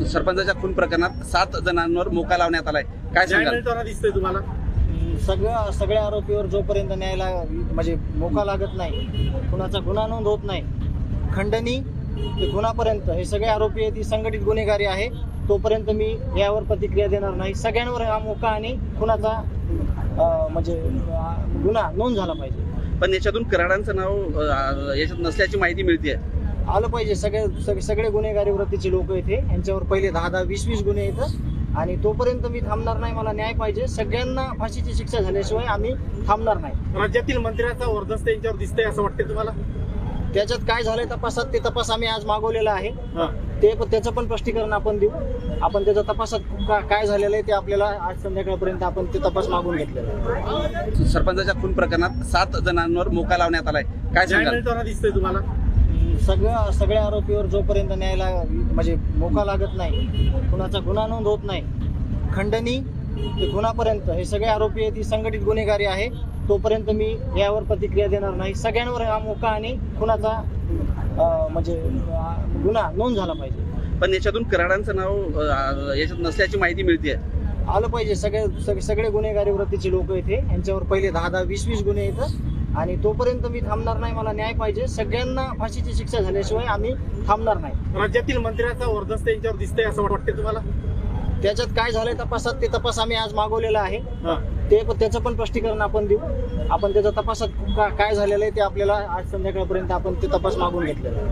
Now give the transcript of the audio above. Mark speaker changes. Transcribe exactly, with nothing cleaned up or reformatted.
Speaker 1: सरपंचाच्या खून प्रकरणात सात जणांवर मोका लावण्यात आलाय, काय सांगाल?
Speaker 2: दिसतंय तुम्हाला?
Speaker 3: सगळ्या सगळ्या आरोपीवर जोपर्यंत न्यायाला म्हणजे मोका लागत नाही, कुणाचा गुन्हा नोंद होत नाही, खंडणी ते गुन्हापर्यंत हे सगळे आरोपी आहेत, ती संघटित गुन्हेगारी आहे, तोपर्यंत मी यावर प्रतिक्रिया देणार नाही. सगळ्यांवर हा मोका आणि खुनाचा अं, म्हणजे अं, गुन्हा नोंद झाला पाहिजे.
Speaker 1: पण याच्यातून कराडांचं नाव अं, याच्यात नसल्याची माहिती मिळते.
Speaker 3: आलं पाहिजे. सगळे सग- सगळे गुन्हेगारी वृत्तीचे लोक इथे, यांच्यावर पहिले दहा दहा वीस वीस गुन्हे येतात आणि तोपर्यंत मी थांबणार नाही. मला न्याय पाहिजे. सगळ्यांना फाशीची शिक्षा झाल्याशिवाय आम्ही थांबणार नाही.
Speaker 2: राज्यातील मंत्र्यांचा वर्दस्त यांच्यावर दिसतंय असं वाटतंय तुम्हाला?
Speaker 3: त्याच्यात काय झालंय तपासात, ते तपास आम्ही आज मागवलेला आहे.
Speaker 2: हा.
Speaker 3: ते त्याचं पण स्पष्टीकरण आपण देऊ. आपण त्याच्या तपासात का- काय झालेलं आहे ते आपल्याला आज संध्याकाळपर्यंत आपण ते तपास मागून घेतलेला आहे.
Speaker 1: सरपंचाच्या खून प्रकरणात सात जणांवर मोका लावण्यात आलाय, काय सांगाल?
Speaker 2: दिसतंय तुम्हाला?
Speaker 3: सगळ्या सगळ्या आरोपीवर जोपर्यंत न्यायाला म्हणजे मोका लागत नाही, कुणाचा गुन्हा नोंद होत नाही, खंडणी ते गुन्हापर्यंत हे सगळे आरोपी आहेत, ती संघटित गुन्हेगारी आहे, तोपर्यंत मी यावर प्रतिक्रिया देणार नाही. सगळ्यांवर हा मोका आणि खुनाचा अं, म्हणजे अं, गुन्हा नोंद झाला पाहिजे.
Speaker 1: पण याच्यातून कराडांचं नाव अं, याच्यात नसल्याची माहिती मिळते.
Speaker 3: आलं पाहिजे. सगळे सग- सगळे गुन्हेगारी वृत्तीचे लोक इथे, यांच्यावर पहिले दहा दहा वीस वीस गुन्हे येतात आणि तोपर्यंत मी थांबणार नाही. मला न्याय पाहिजे. सगळ्यांना फाशीची शिक्षा झाल्याशिवाय आम्ही थांबणार नाही.
Speaker 2: राज्यातील मंत्र्यांचा वर्दस्त यांच्यावर दिसतंय असं वाटतंय तुम्हाला?
Speaker 3: त्याच्यात काय झालंय तपासात, ते तपास आम्ही आज मागवलेला आहे.
Speaker 2: हा.
Speaker 3: ते त्याचं पण स्पष्टीकरण आपण देऊ. आपण त्याच्या तपासात का- काय झालेलं आहे ते आपल्याला आज संध्याकाळपर्यंत आपण ते तपास मागून घेतलेला आहे.